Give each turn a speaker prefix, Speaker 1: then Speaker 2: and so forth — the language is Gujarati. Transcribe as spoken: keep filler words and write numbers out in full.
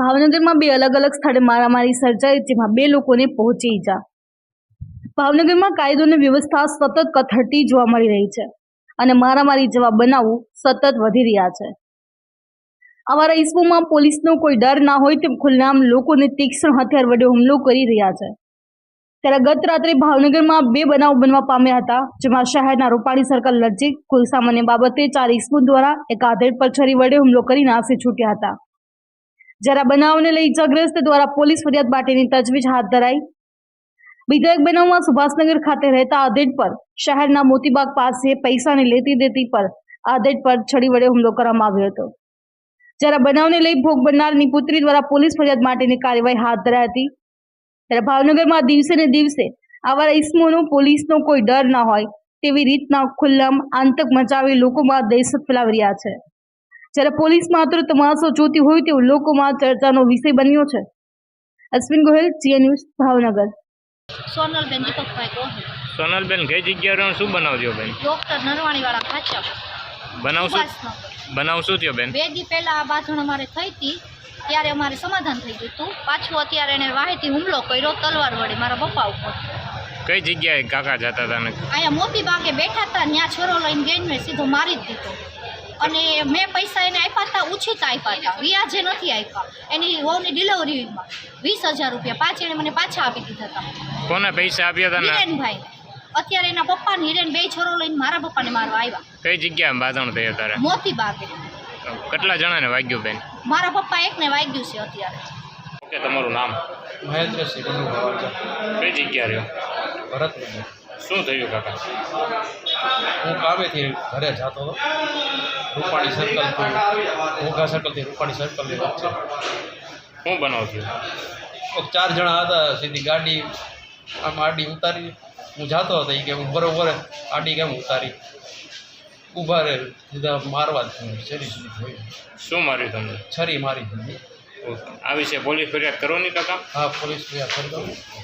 Speaker 1: ભાવનગરમાં બે અલગ અલગ સ્થળે મારામારી સર્જાઈ, જેમાં બે લોકોને પહોંચી ઈજા। ભાવનગરમાં કાયદો અને વ્યવસ્થા સતત કથળતી જોવા મળી રહી છે અને મારામારી જેવા બનાવો સતત વધી રહ્યા છે। આવા ઇસમોમાં પોલીસનો કોઈ ડર ના હોય તેમ ખુલ્લેઆમ લોકોને તીક્ષ્ણ હથિયાર વડે હુમલો કરી રહ્યા છે। ત્યારે ગત રાત્રે ભાવનગરમાં બે બનાવ બનવા પામ્યા હતા, જેમાં શહેરના રૂપાણી સર્કલ નજીક કોઈ સામાન્ય બાબતે ચાર ઇસમો દ્વારા એક આધેડ પર છરી વડે હુમલો કરી નાસી છૂટ્યા હતા। જ્યારે બનાવને લઈ ઇજાગ્રસ્ત દ્વારા પોલીસ ફરિયાદ માટેની તજવીજ હાથ ધરાઈ। બીજા એક બનાવમાં સુભાષનગર ખાતે રહેતા આધેડ પર શહેરના મોતીબાગ પાસે પૈસાની લેતી દેતી પર આધેડ પર છરી વડે હુમલો કરવામાં આવ્યો હતો। જ્યારે બનાવને લઈ ભોગ બનનારની પુત્રી દ્વારા પોલીસ ફરિયાદ માટેની કાર્યવાહી હાથ ધરાઈ હતી। ત્યારે ભાવનગરમાં દિવસે ને દિવસે આવા ઇસમોનો પોલીસનો કોઈ ડર ના હોય તેવી રીતના ખુલ્લામ આતંક મચાવી લોકોમાં દહેશત ફેલાવી રહ્યા છે। જ્યારે પોલીસ માત્ર તમાશો જોતી હોય તેવું લોકોમાં ચર્ચાનો વિષય બન્યો છે। અશ્વિન ગોહિલ, જીએ ન્યૂઝ, ભાવનગર।
Speaker 2: સોનલબેન દીપકભાઈ ગોહિલ।
Speaker 3: સોનલબેન, કઈ જગ્યાએ શું બનાવ થયો બેન?
Speaker 2: ડોક્ટર નરવાણી વાળા ખાચા
Speaker 3: બનાવ શું બનાવ શું થયો બેન?
Speaker 2: બે દી પહેલા આ બાંધણ અમારે થઈ હતી, ત્યારે અમારે સમાધાન થઈ ગયું હતું। પાછું અત્યારે એને વાહેથી હુમલો કર્યો તલવાર વડે મારા પપ્પા ઉપર।
Speaker 3: કઈ જગ્યાએ કાકા જતા હતા?
Speaker 2: અહીંયા મોતી બાગે બેઠા હતા, ત્યાં છોરો લઈને ગઈને મેં સીધો મારી જ દીધો। અને મેં પૈસા એને આપ્યા હતા, ઉછીતા આપ્યા હતા, વ્યાજે નથી આપ્યા। એની વહુની ડિલિવરીમાં વીસ હજાર રૂપિયા પાંચ એને મને પાછા આપી દીધા હતા।
Speaker 3: કોને પૈસા આપ્યા હતા?
Speaker 2: હિરેનભાઈ। અત્યારે એના પપ્પા ને હિરેન બે છોરો લઈને મારા પપ્પાને મારવા આવ્યા।
Speaker 3: કઈ જગ્યાએ બાંધણ થઈ અત્યારે?
Speaker 2: મોતી બાગે।
Speaker 3: કેટલા જણાને વાગ્યું બેન?
Speaker 2: મારા પપ્પા એકને વાગ્યું છે અત્યારે।
Speaker 3: કે તમારું નામ?
Speaker 4: મહેન્દ્રસિંહ
Speaker 3: કઈ જગ્યા રહ્યો?
Speaker 4: ભરતનગર।
Speaker 3: શું થયું કાકા?
Speaker 4: હું કામેથી ઘરે જતો હતો, રૂપાણી સર્કલથી ઘોઘા સર્કલથી રૂપાણી સર્કલની વચ્ચે
Speaker 3: શું બનાવ થયું?
Speaker 4: કોઈક ચાર જણા હતા, સીધી ગાડી આમ આડી ઉતારી હું જતો હતો, એ કે હું બરોબર આડી કેમ ઉતારી ઊભા રહે, સીધા મારવા જ છરી જોયું।
Speaker 3: શું માર્યું તમને?
Speaker 4: છરી મારી દીધી।
Speaker 3: આ વિશે પોલીસ ફરિયાદ કરવાની કાકા?
Speaker 4: હા, પોલીસ ફરિયાદ કરી દઉં।